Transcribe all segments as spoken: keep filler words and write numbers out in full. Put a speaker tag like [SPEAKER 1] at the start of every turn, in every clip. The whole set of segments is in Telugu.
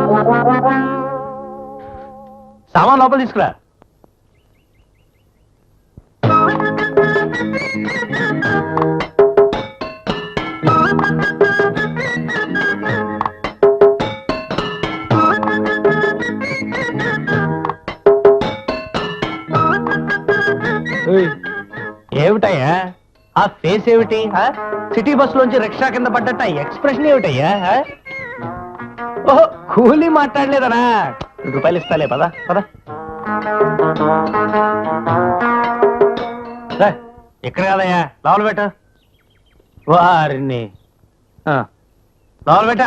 [SPEAKER 1] సామాన్ లోపల తీసుకురా. ఏమిటయ్యా ఆ ఫేస్ ఏమిటి? సిటీ బస్ లోంచి రిక్షా కింద పడ్డట్ట ఎక్స్ప్రెషన్ ఏమిటయ్యా? ఓహో కూలీ మాట్లాడలేదనా? రూపాయలు ఇస్తాలే, పదా పదా. ఇక్కడ కాదయ్యా, లోపల పెట్ట. వారిని లోపల పెట్ట.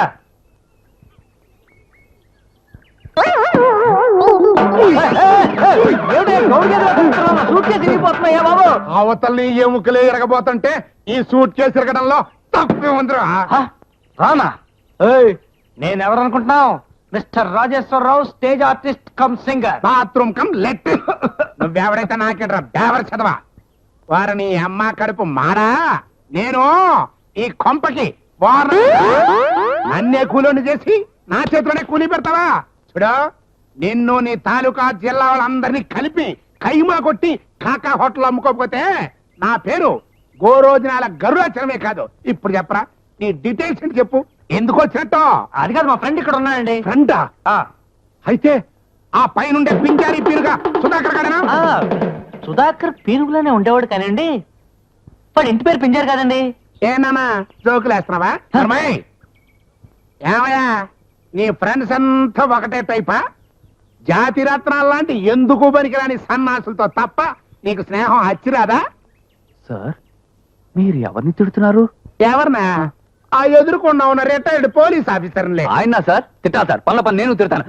[SPEAKER 2] అవతల్ని ఏ ముక్కలే ఎరగబోతుంటే ఈ సూట్ కేసు ఎరగడంలో తప్పే ఉందిరా.
[SPEAKER 1] రానా? నేనెవరు అనుకుంటున్నావు? Mister Rajeshwara Rao, stage artist come singer,
[SPEAKER 2] bathroom come let. నువ్వెవడైతే నాకేట్రా బేవర్ చదవా. వారిని అమ్మ కడుపు మారా. నేను ఈ కొంపకి నన్నే కూలోని చేసి నా చేతిలోనే కూలీ పెడతావా? చూడు, నిన్ను నీ తాలూకా జిల్లా వాళ్ళందరినీ కలిపి కైమా కొట్టి కాకా హోటల్ అమ్ముకోకపోతే నా పేరు గోరోజనాల గరుడాచరమే కాదు. ఇప్పుడు చెప్పరా నీ డీటెయిల్స్ ఏంటి చెప్పు. ఎందుకు వచ్చినట్టు?
[SPEAKER 1] అది కాదు, మా ఫ్రెండ్ ఇక్కడ ఉన్నాడండి.
[SPEAKER 2] ఫ్రెండా? అయితే ఆ పైనుండే పింజారీ పీరుగా సుధాకర్ గారేనా?
[SPEAKER 1] సుధాకర్ పీరుగులోనే ఉండేవాడు కానండి, వాడు ఇంటి పేరు పింజారు కాదండి.
[SPEAKER 2] ఏనా జోకులు వేస్తున్నావా? ఏమయ్యా, నీ ఫ్రెండ్స్ అంతా ఒకటే టైపా? జాతి రత్నాలు లాంటి ఎందుకు పనికిరాని సన్నాసులతో తప్ప నీకు స్నేహం హచ్చిరాదా?
[SPEAKER 1] సార్, మీరు ఎవరిని తిడుతున్నారు?
[SPEAKER 2] ఎవరినా? ఆ ఎదురుకుండా ఉన్న రిటైర్డ్ పోలీస్ ఆఫీసర్లే.
[SPEAKER 1] ఆయన సార్ తిట్టా సార్, పనుల పని నేను తిడతాను.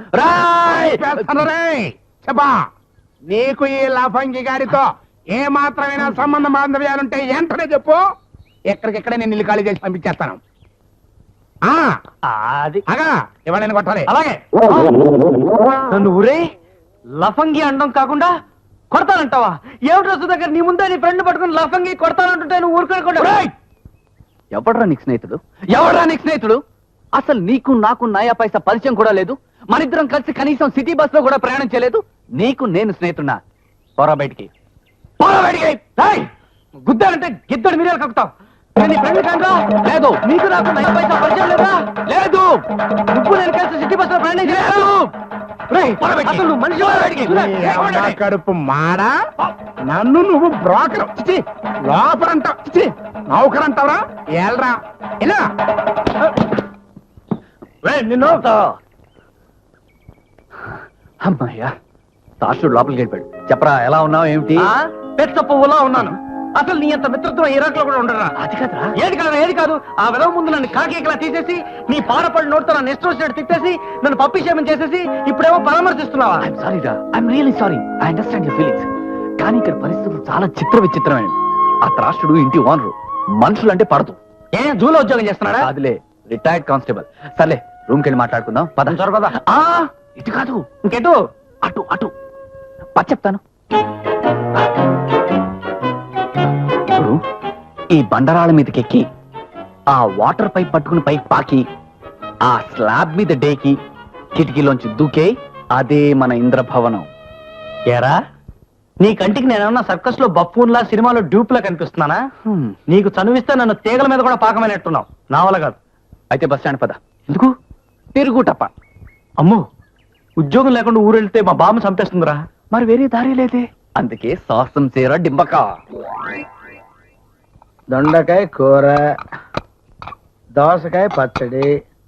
[SPEAKER 2] చెప్పా, నీకు ఈ లఫంగి గారితో ఏ మాత్రమైనా సంబంధ బాంధవ్యాలుంటే వెంటనే చెప్పు. ఎక్కడికెక్కడే నేను ఇల్లు ఖాళీ చేసి పంపించేస్తాను.
[SPEAKER 1] అది
[SPEAKER 2] అగా ఇవాళ కొట్టాలి.
[SPEAKER 1] అలాగే. నన్ను ఊరే లఫంగి అండం కాకుండా కొడతానంటావా? ఏమిటో సుధాకర్, నీ ముందే నీ ఫ్రెండ్ పట్టుకుని లఫంగి కొడతానంటుంటే నువ్వు ఊరుకోకుండా. ఎవడ్రా నీకు స్నేహితుడు? ఎవడ్రా నీకు స్నేహితుడు? అసలు నీకు నాకు నయా పైసా పరిచయం కూడా లేదు. మనిద్దరం కలిసి కనీసం సిటీ బస్ లో కూడా ప్రయాణం చేయలేదు. నీకు నేను స్నేహితున్నా? పోరా బయటికి, పోరా బయటికి. గుద్దాలంటే గిద్దడు మీరేలు కక్కుతావు. లేదు, నీకు నాకు నయా పైసా పరిచయం లేదా? లేదు. నువ్వు నేను కలిసి సిటీ బస్ లో ప్రయాణం చేయలేదు. మనిషి
[SPEAKER 2] కడుపు మాడా. నన్ను నువ్వు బ్రోకర్ లోపలంటావు, నౌకర్ అంటావురా? ఏల్రా ఇలా
[SPEAKER 1] నిన్ను. అమ్మాయ్యా, తాషుడు లోపలికి వెళ్ళిపోయాడు. చెప్పరా, ఎలా ఉన్నావు? ఏమిటి? పెద్ద పువ్వులా ఉన్నాను. అసలు నీ అంత మిత్రత్వం ఇరాక్ లో కూడా ఉండరా? అది కాదురా. ఏది కాదు, ఏది కాదు. ఆ విధవ ముందు నన్ను కాకేకలా తీసేసి నీ పారపడి నోటితో నన్ను ఇష్టం వచ్చినట్టు తిట్టేసి నన్ను పప్పిషేమం చేసేసి ఇప్పుడేమో పరామర్శిస్తున్నావా? ఐఎమ్ సారీ రా, I'm really sorry. I understand your feelings. కానీ ఇక్కడ పరిస్థితులు చాలా చిత్ర విచిత్రమైనవి. ఆ త్రాష్టుడు ఇంటి ఓనరు, మనుషులంటే పడదు. ఏ జూలో ఉద్యోగం చేస్తున్నాడా? అదిలే, రిటైర్డ్ కానిస్టేబుల్. సర్లే, రూమ్కి వెళ్ళి మాట్లాడుకుందాం. పదం చొర పద. ఇటు కాదు, ఇంకెటు? అటు అటు పచ్చ చెప్తాను. ఇప్పుడు ఈ బండరాళ్ళ మీదకెక్కి ఆ వాటర్ పైప్ పట్టుకుని పైకి పాకి ఆ స్లాబ్ మీద డేకి కిటికీలోంచి దూకే అదే మన ఇంద్రభవనం. ఏరా, నీ కంటికి నేనేమన్నా సర్కస్ లో బఫూన్ లా సినిమాలో డ్యూప్ లా కనిపిస్తున్నానా? నీకు చనువిస్తే నన్ను తీగల మీద కూడా పాకమైనట్టున్నావు. నా వల్ల కాదు. అయితే బస్ స్టాండ్ పద. ఎందుకు? తిరుగుటప్ప. అమ్మో, ఉద్యోగం లేకుండా ఊరెళ్తే మా బామ్మ చంపేస్తుందిరా. మరి వేరే దారి లేదే. అందుకే సాహసం చేర డింబక.
[SPEAKER 3] దొండకాయ కూర, దోసకాయ పచ్చడి,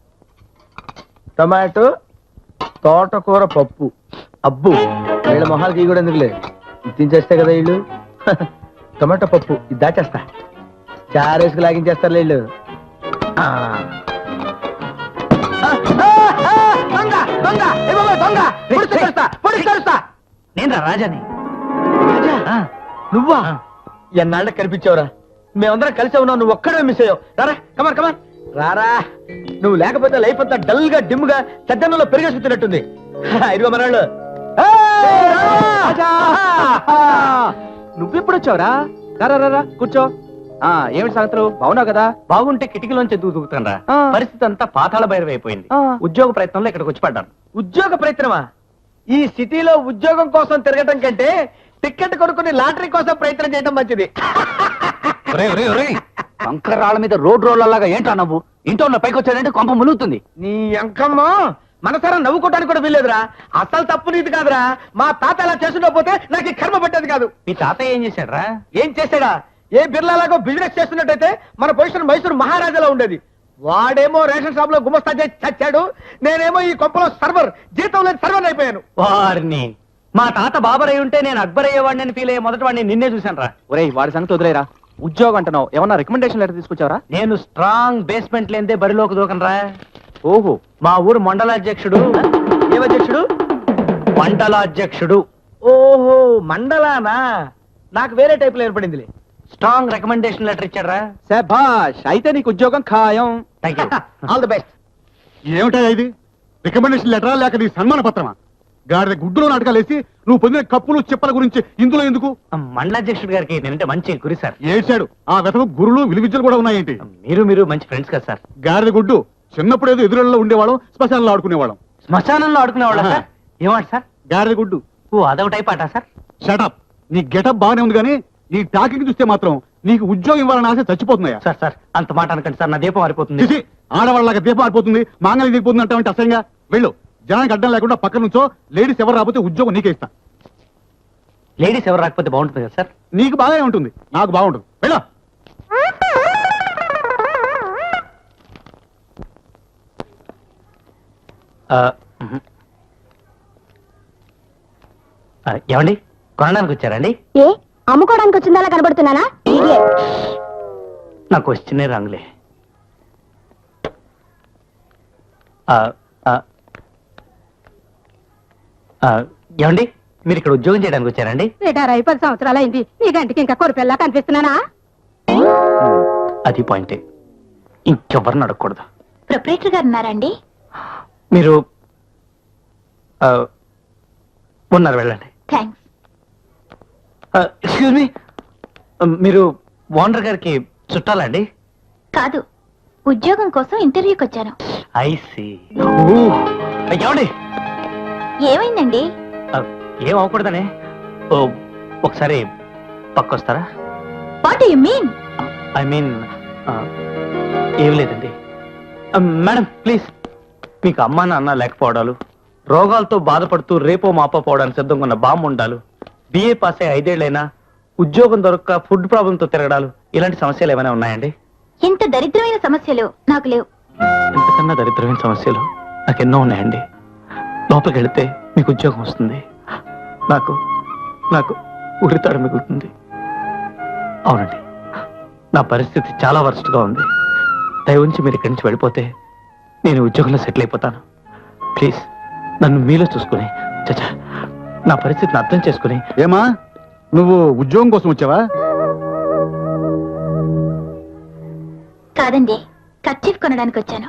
[SPEAKER 3] టమాటో, తోటకూర పప్పు.
[SPEAKER 1] అబ్బు,
[SPEAKER 3] వీళ్ళ మొహాలకి కూడా ఎందుకులే, తినేస్తే కదా వీళ్ళు. టమాటో పప్పు ఇది దాచేస్తా, చారేసుకు లాగించేస్తారు వీళ్ళు.
[SPEAKER 1] నేను రాజాని. నువ్వా? ఎన్నాళ్ళ కనిపించావురా. మేమందరం కలిసి ఉన్నావు, నువ్వు ఒక్కడే మిస్ అయ్యావు. రారా, కమాన్ కమాన్ రారా. నువ్వు లేకపోతే లైఫ్ అంతా డల్ గా డిమ్ గా సద్దన్నంలో పెరిగేసుకుతున్నట్టుంది. ఇదిగో మనాళ్ళు. నువ్వెప్పుడు వచ్చావురా? రారా రారా కూర్చో. ఆ ఏమిటి సంగతులు బాగున్నావు కదా? బాగుంటే కిటికీలోంచి ఎందుకు దూకుతానరా? పరిస్థితి అంతా పాతాళ భైరవ అయిపోయింది. ఉద్యోగ ప్రయత్నంలో ఇక్కడికి వచ్చి పడ్డాను.
[SPEAKER 3] ఉద్యోగ ప్రయత్నమా? ఈ సిటీలో ఉద్యోగం కోసం తిరగటం కంటే టికెట్ కొనుక్కుని లాటరీ కోసం ప్రయత్నం చేయడం మంచిది.
[SPEAKER 1] కంకరాళ్ళ మీద రోడ్ రోడ్లలాగా ఏంటా నవ్వు? ఇంట్లో ఉన్న పైకి వచ్చాడంటే కొంప ములుగుతుంది.
[SPEAKER 3] నీ అంకమ్మ మనసారా నవ్వుకోవడానికి కూడా వీల్లేదురా. అసలు తప్పు నీది కాదురా. మా తాత అలా చేస్తుండకపోతే నాకు ఈ కర్మ పట్టేది కాదు.
[SPEAKER 1] మీ తాతయ్య ఏం చేశాడ్రా?
[SPEAKER 3] ఏం చేశాడా? ఏ బిర్లాలాగో బిజినెస్ చేస్తున్నట్టయితే మన పొజిషన్ మైసూరు మహారాజాలో ఉండేది. వాడేమో రేషన్ షాప్ లో గుమస్తా చేసి చచ్చాడు. నేనేమో ఈ కొంపలో సర్వర్, జీతం లేని సర్వర్ అయిపోయాను.
[SPEAKER 1] వారిని మా తాత బాబర్ అయి ఉంటే నేను అక్బర్ అయ్యేవాడిని ఫీల్ అయ్యే మొదటి వాడిని నిన్నే చూశాను రా.
[SPEAKER 3] ఒరేయ్, వాడి సంగతి వదిలేరా. ఉద్యోగం అంటున్నావు, ఏమన్నా రికమెండేషన్ లెటర్ తీసుకొచ్చావరా?
[SPEAKER 1] నేను స్ట్రాంగ్ బేస్మెంట్ లేదే బరిలోకి దూకనరా. ఓహో, మా ఊరు మండలాధ్యక్షుడు.
[SPEAKER 3] ఏమధ్యక్షుడు?
[SPEAKER 1] మండలాధ్యక్షుడు.
[SPEAKER 3] ఓహో, మండలానా? నాకు వేరే టైప్ లో ఏర్పడిందిలే.
[SPEAKER 1] స్ట్రాంగ్ రికమెండేషన్ లెటర్ ఇచ్చాడ్రా.
[SPEAKER 3] శభాష్, అయితే నీకు ఉద్యోగం ఖాయం.
[SPEAKER 1] Thank you.
[SPEAKER 3] All the best.
[SPEAKER 2] ఏమిటా ఇది? రికమెండేషన్ లెటరా లేక నీ సన్మాన పత్రమా? గాడిద గుడ్డులో నాటకాలేసి నువ్వు పొందిన కప్పులు చెప్పల గురించి ఇందులో ఎందుకు?
[SPEAKER 1] మండలాధ్యక్షుడు గారికి నేనంటే మంచి గురి సార్.
[SPEAKER 2] ఏడ్చాడు. ఆ వెతకు గురులు విలువిద్యలు కూడా ఉన్నాయేంటి?
[SPEAKER 1] మీరు మీరు మంచి ఫ్రెండ్స్ కదా సార్.
[SPEAKER 2] గాడిద గుడ్డు, చిన్నప్పుడు ఏదో ఎదురులో ఉండేవాళ్ళం, శ్మశానంలో ఆడుకునేవాళ్ళం.
[SPEAKER 1] శ్మశానంలో ఆడుకునేవాళ్ళ సార్? ఏమాట సార్?
[SPEAKER 2] గాడిద గుడ్డు.
[SPEAKER 1] ఓ అదొక టైప్ ఆట సార్.
[SPEAKER 2] షటప్. నీ గెటప్ బాగానే ఉంది కానీ నీ టాకింగ్ చూస్తే మాత్రం నీకు ఉద్యోగం ఇవ్వాలని ఆశ చచ్చిపోతున్నాయా?
[SPEAKER 1] సార్ సార్ అంత మాట అనకండి సార్, నా దీపం మారిపోతుంది.
[SPEAKER 2] చూసి ఆడవాళ్ళగా దీపం ఆడిపోతుంది, మాంగళ్యం దిగిపోతుంది అంటే అసహ్యంగా. వెళ్ళు, జనానికి అడ్డం లేకుండా పక్క నుంచో. లేడీస్ ఎవరు రాకపోతే ఉద్యోగం నీకే ఇస్తా.
[SPEAKER 1] లేడీస్ ఎవరు రాకపోతే బాగుంటుంది కదా సార్?
[SPEAKER 2] నీకు బాగానే ఉంటుంది, నాకు బాగుంటుంది. వెళ్ళు.
[SPEAKER 1] ఆ, మ్మ్. ఆ, ఏమండి కొనడానికి వచ్చారండి?
[SPEAKER 4] ఏ అమ్ముకోవడానికి వచ్చిందా కనబడుతున్నానా?
[SPEAKER 1] నాకు వచ్చినే రంగులే. ఆ, ఆ, ఆ, ఏమండి మీరు ఇక్కడ ఉద్యోగం చేయడానికి వచ్చారండి?
[SPEAKER 4] రిటైర్ అయి పది సంవత్సరాలు అయింది. నీ గంటికి ఇంకా కొరిపెల్లా కనిపిస్తున్నానా?
[SPEAKER 1] అది పాయింటే, ఇంకెవరిని అడగకూడదు.
[SPEAKER 4] ప్రొపరేటర్ గారు ఉన్నారండి?
[SPEAKER 1] మీరు ఆ, ఉన్నారు, వెళ్ళండి.
[SPEAKER 4] థ్యాంక్స్.
[SPEAKER 1] ఎక్స్క్యూజ్ మీ, మీరు ఓనర్ గారికి చుట్టాలండి?
[SPEAKER 4] కాదు, ఉద్యోగం కోసం ఇంటర్వ్యూకి వచ్చాను.
[SPEAKER 1] ఐసి. ఏమండి
[SPEAKER 4] ఏమైందండి?
[SPEAKER 1] ఆ, ఏం అవ్వకూడదనే. ఓ, ఒకసారి పక్కొస్తారా?
[SPEAKER 4] What you mean?
[SPEAKER 1] I mean ఏం లేదండి. ఆ, మేడం ప్లీజ్. మీకు అమ్మా నాన్న లేకపోవడాలు, రోగాలతో బాధపడుతూ రేపో మాపో పోవడానికి సిద్ధంగా ఉన్న బామ్మ ఉండాలు, బిఏ పాస్ అయ్యి ఐదేళ్లైనా ఉద్యోగం దొరక్క ఫుడ్ ప్రాబ్లంతో తిరగడాలు, ఇలాంటి సమస్యలు ఏమైనా ఉన్నాయండి?
[SPEAKER 4] ఇంత దరిద్రమైన సమస్యలు నాకు లేవు.
[SPEAKER 1] ఇంతకన్నా దరిద్రమైన సమస్యలు నాకెన్నో ఉన్నాయండి. లోపలికి వెళితే మీకు ఉద్యోగం వస్తుంది, నాకు నాకు ఉరితాడు మిగులుతుంది. అవునండి, నా పరిస్థితి చాలా వరస్ట్గా ఉంది. దయ ఉంచి మీరు ఇక్కడి నుంచి వెళ్ళిపోతే నేను ఉద్యోగంలో సెటిల్ అయిపోతాను. ప్లీజ్ నన్ను మీలో చూసుకుని, చచ్చా నా పరిస్థితిని అర్థం చేసుకుని.
[SPEAKER 2] ఏమా, నువ్వు ఉద్యోగం కోసం వచ్చావా?
[SPEAKER 4] కాదండి, కర్చీఫ్ కొనడానికి వచ్చాను.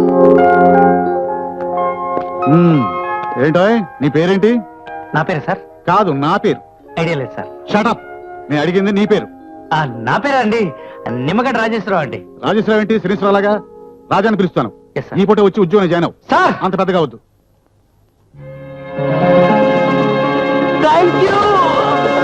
[SPEAKER 2] మ్మ్. ఏంటోయ్, నీ పేరేంటి?
[SPEAKER 1] నా పేరు సార్?
[SPEAKER 2] కాదు, నా పేరు.
[SPEAKER 1] ఐడియా లేదు సార్.
[SPEAKER 2] షటప్. నేను అడిగింది నీ పేరు.
[SPEAKER 1] ఆ, నా పేరు అండి నిమ్మగడ్డ రాజేశ్వరరావు అండి.
[SPEAKER 2] రాజేశ్వరరావు ఏంటి? శ్రీశ్వరలాగా రాజాని పిలుస్తాను.
[SPEAKER 1] Yes, sir.
[SPEAKER 2] ఈ పూట వచ్చి ఉద్యోగం జాయిన్ అవ్వు.
[SPEAKER 1] సార్
[SPEAKER 2] అంత పెద్దగా వద్దు.
[SPEAKER 1] Thank you.